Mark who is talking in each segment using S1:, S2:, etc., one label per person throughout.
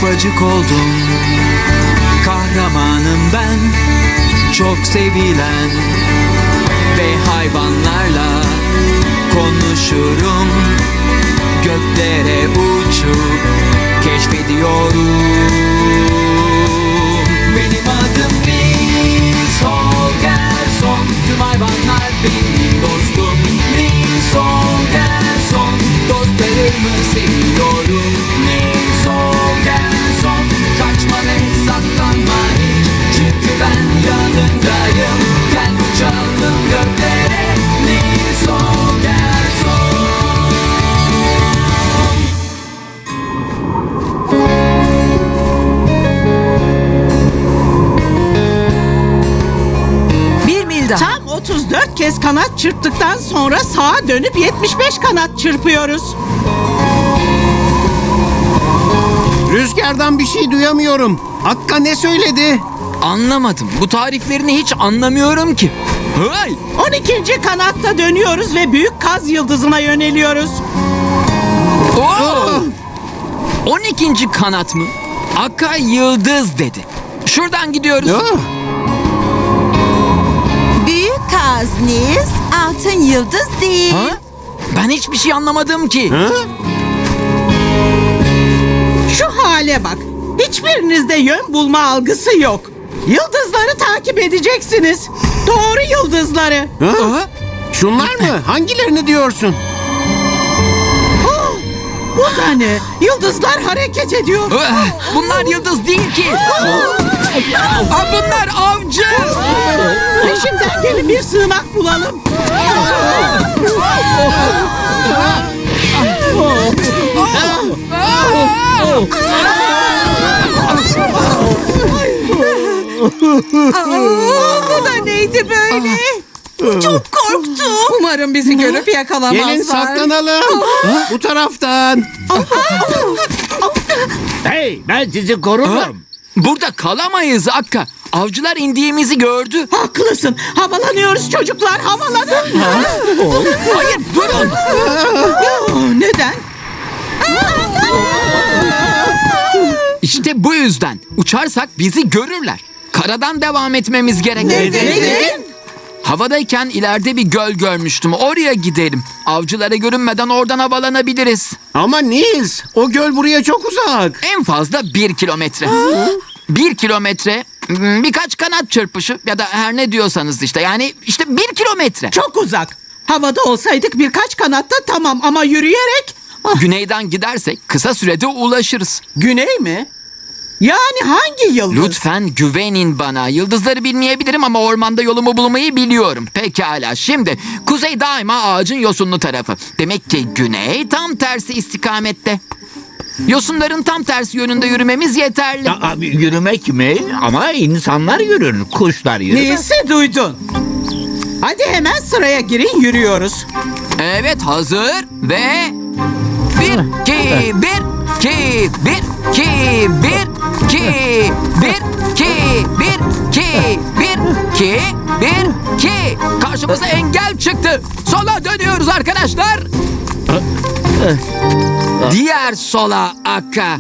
S1: ufacık oldum. Kahramanım ben, çok sevilen. Ve hayvanlarla konuşurum. Göklere uçup keşfediyorum. Benim adım Nils Holgersson. Tüm hayvanlar benim dostum. Nils Holgersson. Dostlarımı seviyorum. Nils Holgersson. Kaçma ve saklanma hiç. Çünkü ben yanındayım. Gel uçalım göklere. Nils Holgersson.
S2: Tam 34 kez kanat çırptıktan sonra sağa dönüp 75 kanat çırpıyoruz.
S3: Rüzgardan bir şey duyamıyorum. Akka ne söyledi?
S1: Anlamadım. Bu tariflerini hiç anlamıyorum ki. Hay!
S2: 12. kanatta dönüyoruz ve büyük kaz yıldızına yöneliyoruz.
S1: Oo! 12. kanat mı? Akka yıldız dedi. Şuradan gidiyoruz.
S4: Büyük kaz Nils, altın yıldız değil.
S1: Ha? Ben hiçbir şey anlamadım ki.
S2: Şu hale bak. Hiçbirinizde yön bulma algısı yok. Yıldızları takip edeceksiniz. Doğru yıldızları.
S1: Aha.
S3: Şunlar mı? Hangilerini diyorsun?
S2: Bu da ne? Yıldızlar hareket ediyor.
S1: Bunlar yıldız değil ki. Bunlar avcı.
S2: Peşimden gelin bir sığınak bulalım.
S4: Bu da neydi böyle? Çok korktum.
S2: Umarım bizi görüp yakalamazlar.
S3: Gelin saklanalım. Bu taraftan.
S5: Hey, ben sizi korurum.
S1: Burada kalamayız Akka. Avcılar indiğimizi gördü.
S2: Haklısın. Havalanıyoruz çocuklar. Havalanın.
S1: Hayır durun.
S2: Neden?
S1: İşte bu yüzden. Uçarsak bizi görürler. Karadan devam etmemiz gerek.
S2: Neden?
S1: Havadayken ileride bir göl görmüştüm. Oraya gidelim. Avcılara görünmeden oradan havalanabiliriz.
S3: Ama Nils, o göl buraya çok uzak.
S1: En fazla 1 kilometre. 1 kilometre birkaç kanat çırpışı ya da her ne diyorsanız işte. Yani işte 1 kilometre.
S2: Çok uzak. Havada olsaydık birkaç kanatta tamam ama yürüyerek...
S1: Güneyden gidersek kısa sürede ulaşırız.
S2: Güney mi? Yani hangi yıldız?
S1: Lütfen güvenin bana. Yıldızları bilmeyebilirim ama ormanda yolumu bulmayı biliyorum. Pekala. Şimdi kuzey daima ağacın yosunlu tarafı. Demek ki güney tam tersi istikamette. Yosunların tam tersi yönünde yürümemiz yeterli.
S5: Yürümek mi? Ama insanlar yürür, kuşlar yürür.
S2: Neyse duydun. Hadi hemen sıraya girin yürüyoruz.
S1: Evet hazır ve... 1, 2, 1, 2, 1, 2, 1, 2, 1, 2, 1, 2, 1, 2, 1, 2. Karşımıza engel çıktı. Sola dönüyoruz arkadaşlar. Diğer sola Akka.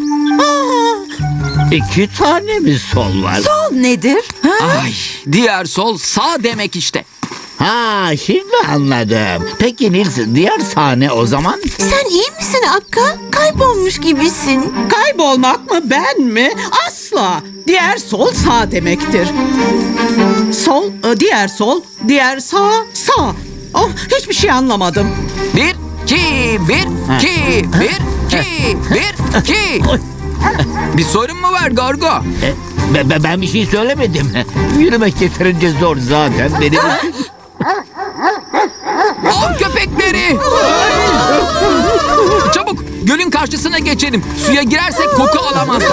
S5: 2 tane mi sol var?
S4: Sol nedir?
S1: Ay, diğer sol sağ demek işte.
S5: Ha, şimdi anladım. Peki Nils, diğer sahne o zaman?
S4: Sen iyi misin Akka? Kaybolmuş gibisin.
S2: Kaybolmak mı ben mi? Asla. Diğer sol sağ demektir. Sol, diğer sol, diğer sağ, sağ. Oh, hiçbir şey anlamadım.
S1: 1, 2, 1, 2, 1, 2, 1, 2. Bir sorun mu var Gorgo?
S5: Ben bir şey söylemedim. Yürümek yeterince zor zaten benim.
S1: Av köpekleri! Çabuk gölün karşısına geçelim. Suya girersek koku alamazlar.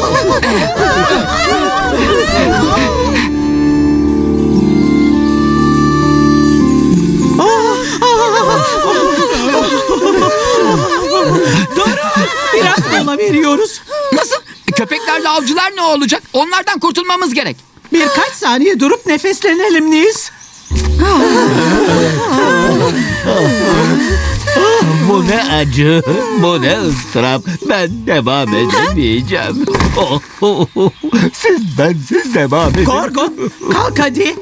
S2: Durun. Biraz mola veriyoruz.
S1: Nasıl? Köpeklerle avcılar ne olacak? Onlardan kurtulmamız gerek.
S2: Birkaç saniye durup nefeslenelim Nils.
S5: Bu ne acı, bu ne ıstırap. Ben devam edemeyeceğim. Siz bensiz devam edin.
S2: Gorgo kalk hadi.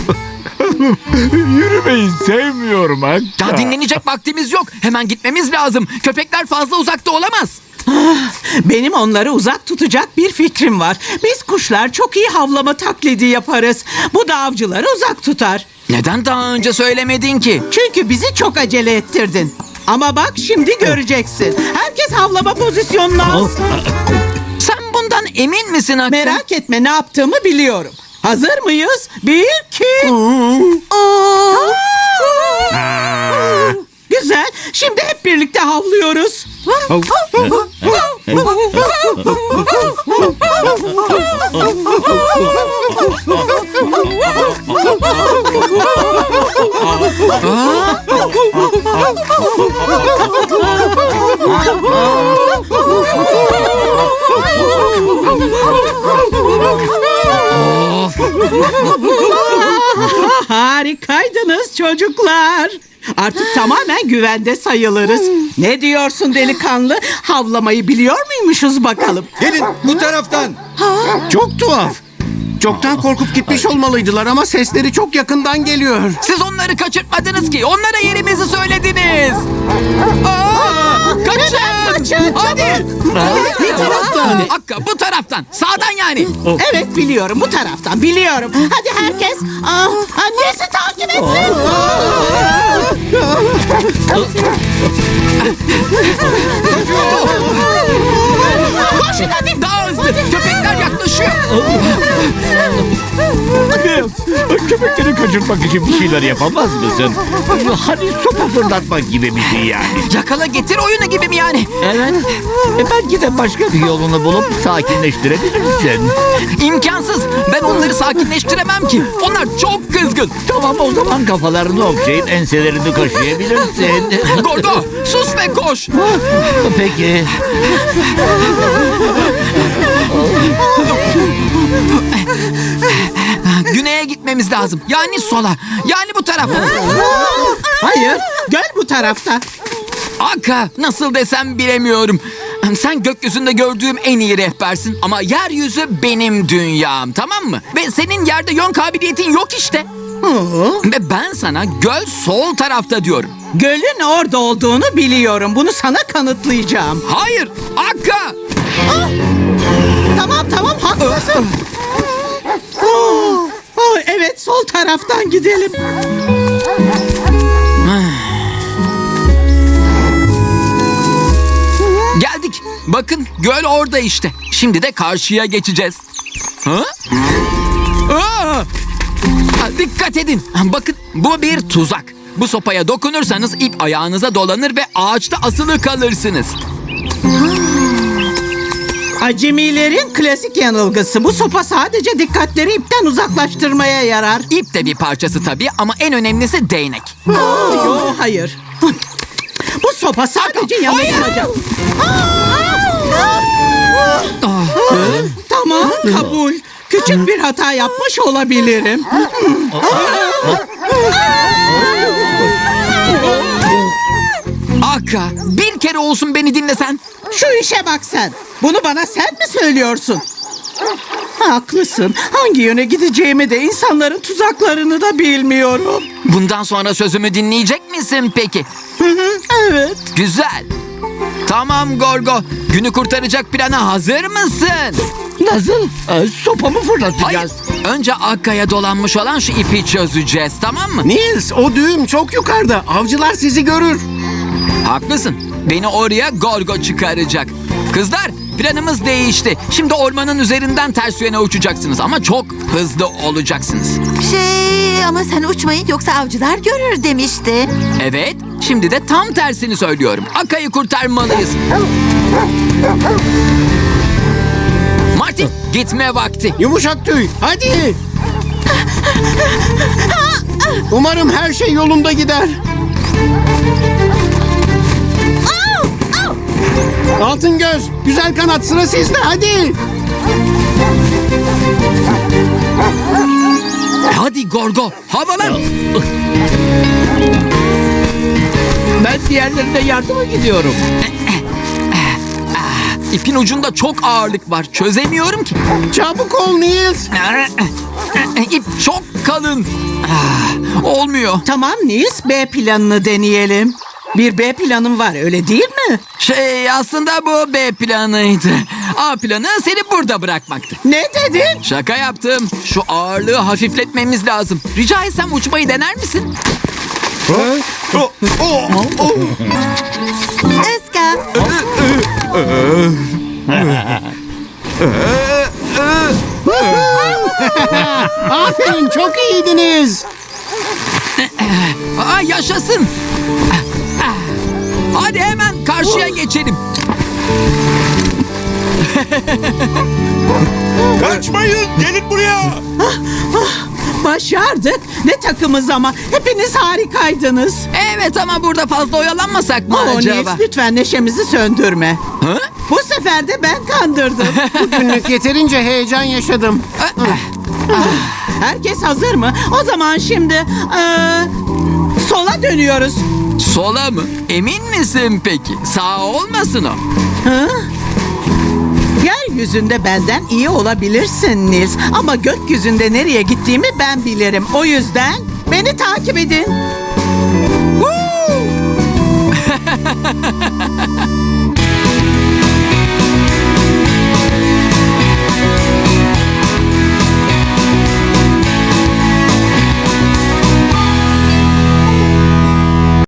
S5: Yürümeyi sevmiyorum Akka.
S1: Ya dinlenecek vaktimiz yok. Hemen gitmemiz lazım. Köpekler fazla uzakta olamaz.
S2: Benim onları uzak tutacak bir fikrim var. Biz kuşlar çok iyi havlama taklidi yaparız. Bu da avcıları uzak tutar.
S1: Neden daha önce söylemedin ki?
S2: Çünkü bizi çok acele ettirdin. Ama bak şimdi göreceksin. Herkes havlama pozisyonuna alsın.
S1: Sen bundan emin misin Hakkı?
S2: Merak etme, ne yaptığımı biliyorum. Hazır mıyız? 1, 2. Güzel. Şimdi hep birlikte havlıyoruz. Harikaydınız çocuklar. Artık tamamen güvende sayılırız. Ne diyorsun delikanlı? Havlamayı biliyor muymuşuz bakalım?
S3: Gelin bu taraftan. Çok tuhaf. Çoktan korkup gitmiş olmalıydılar ama sesleri çok yakından geliyor.
S1: Siz onları kaçırtmadınız ki. Onlara yerimizi söylediniz. Kaçın. Hadi.
S3: Bu taraftan.
S1: Hakkı bu taraftan. Sağdan yani.
S2: Evet biliyorum, bu taraftan biliyorum. Hadi herkes annesi takip etsin. Koşun hadi.
S1: Daha hızlı. Köpekler yaklaşıyor.
S5: Köpekleri kaçırmak için bir şeyler yapamaz mısın? Hani sopa fırlatmak gibi bir şey yani.
S1: Yakala getir oyunu gibi mi yani?
S5: Evet. Belki de başka bir yolunu bulup sakinleştirebilirsin.
S1: İmkansız. Ben onları sakinleştiremem ki. Onlar çok kızgın.
S5: Tamam, o zaman kafalarını okşayıp enselerini kaşıyabilirsin.
S1: Gordo sus ve koş.
S5: Peki.
S1: Güneye gitmemiz lazım. Yani sola. Yani bu tarafa.
S2: Hayır, göl bu tarafta.
S1: Aka nasıl desem bilemiyorum. Sen gökyüzünde gördüğüm en iyi rehbersin ama yeryüzü benim dünyam, tamam mı? Ve senin yerde yön kabiliyetin yok işte. Ve ben sana göl sol tarafta diyorum.
S2: Gölün orada olduğunu biliyorum. Bunu sana kanıtlayacağım.
S1: Hayır, Aka.
S2: Tamam haklısın. Evet, sol taraftan gidelim.
S1: Geldik. Bakın göl orada işte. Şimdi de karşıya geçeceğiz. Ha? Dikkat edin. Bakın bu bir tuzak. Bu sopaya dokunursanız ip ayağınıza dolanır ve ağaçta asılı kalırsınız.
S2: Acemilerin klasik yanılgısı. Bu sopa sadece dikkatleri ipten uzaklaştırmaya yarar.
S1: İp de bir parçası tabii ama en önemlisi değnek.
S2: Yok, hayır. Bu sopa sadece yanıltacak. Tamam, kabul. Küçük bir hata yapmış olabilirim.
S1: Aka, bir kere olsun beni dinlesen.
S2: Şu işe bak sen. Bunu bana sen mi söylüyorsun? Haklısın. Hangi yöne gideceğimi de insanların tuzaklarını da bilmiyorum.
S1: Bundan sonra sözümü dinleyecek misin peki?
S2: Evet.
S1: Güzel. Tamam Gorgo, günü kurtaracak plana hazır mısın?
S5: Nasıl? Sopamı
S1: Hayır,
S5: fırlatacağız.
S1: önce Akka'ya dolanmış olan şu ipi çözeceğiz, tamam mı?
S3: Nils, o düğüm çok yukarıda. Avcılar sizi görür.
S1: Haklısın, beni oraya Gorgo çıkaracak. Kızlar, planımız değişti. Şimdi ormanın üzerinden ters yöne uçacaksınız ama çok hızlı olacaksınız.
S4: Ama sen uçmayın yoksa avcılar görür demişti.
S1: Evet, şimdi de tam tersini söylüyorum. Akka'yı kurtarmalıyız. Martin, gitme vakti.
S3: Yumuşak tüy, hadi. Umarım her şey yolunda gider. Altın göz, güzel kanat, sıra sizde, hadi.
S1: Hadi Gorgo, havalan.
S5: Ben diğerlerine yardıma gidiyorum.
S1: İpin ucunda çok ağırlık var. Çözemiyorum ki.
S3: Çabuk ol Niels.
S1: İp çok kalın. Olmuyor.
S2: Tamam Nils, B planını deneyelim. Bir B planım var, öyle değil mi?
S1: Aslında bu B planıydı. A planı seni burada bırakmaktı.
S2: Ne dedin?
S1: Şaka yaptım. Şu ağırlığı hafifletmemiz lazım. Rica etsem uçmayı dener misin?
S4: Iska.
S3: Aferin, çok iyiydiniz.
S1: Yaşasın. Hadi hemen karşıya geçelim.
S5: Kaçmayın, gelin buraya.
S2: Başardık. Ne takımız ama. Hepiniz harikaydınız.
S1: Evet ama burada fazla oyalanmasak mı
S2: Nils,
S1: acaba?
S2: lütfen neşemizi söndürme.
S1: Ha?
S2: Bu sefer de ben kandırdım.
S3: Bugünlük yeterince heyecan yaşadım.
S2: Herkes hazır mı? O zaman şimdi sola dönüyoruz.
S1: Sola mı? Emin misin peki? Sağ olmasın o.
S2: Yeryüzünde benden iyi olabilirsin Nils. Ama gökyüzünde nereye gittiğimi ben bilirim. O yüzden beni takip edin.